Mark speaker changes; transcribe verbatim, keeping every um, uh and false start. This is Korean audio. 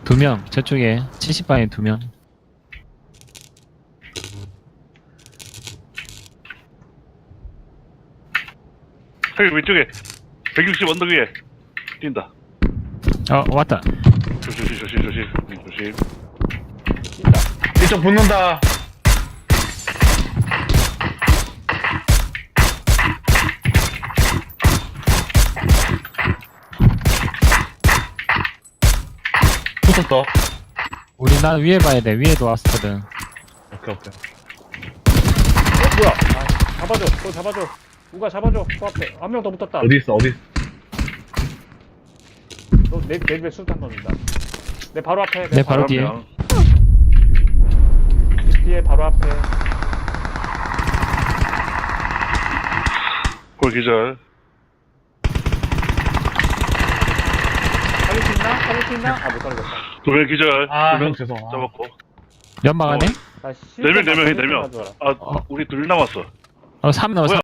Speaker 1: 두 명, 저쪽에 칠십 방에 두 명.
Speaker 2: 저기 왼쪽에 백육십 언덕 위에 뛴다.
Speaker 1: 어, 왔다.
Speaker 2: 조심 조심 조심 조심 조심.
Speaker 3: 뛴다.
Speaker 4: 이쪽 붙는다. 붙었어.
Speaker 1: 우리 나 위에 봐야 돼. 위에도 왔거든.
Speaker 4: 오케이 오케이.
Speaker 3: 어, 뭐야? 아, 잡아줘. 또 잡아줘. 누가 잡아줘. 그 앞에. 한 명 더 붙었다.
Speaker 4: 어디 있어 어디?
Speaker 3: 너 내, 내 집에 술탄 넣는다. 내 바로 앞에.
Speaker 1: 내 바로 뒤에.
Speaker 2: 명.
Speaker 3: 집 뒤에 바로 앞에.
Speaker 2: 골 기절.
Speaker 3: 살릴 수 있나? 살릴 수 있나? 아, 못 살리겠다.
Speaker 2: 두 명 기절.
Speaker 4: 아,
Speaker 2: 두 명
Speaker 4: 형 죄송. 아.
Speaker 2: 잡았고.
Speaker 1: 연막 안에?
Speaker 3: 나
Speaker 2: 네 명 네 명이 네 명.
Speaker 3: 가져와라.
Speaker 2: 아 우리 둘 남았어.
Speaker 1: 어, 삼 남았어.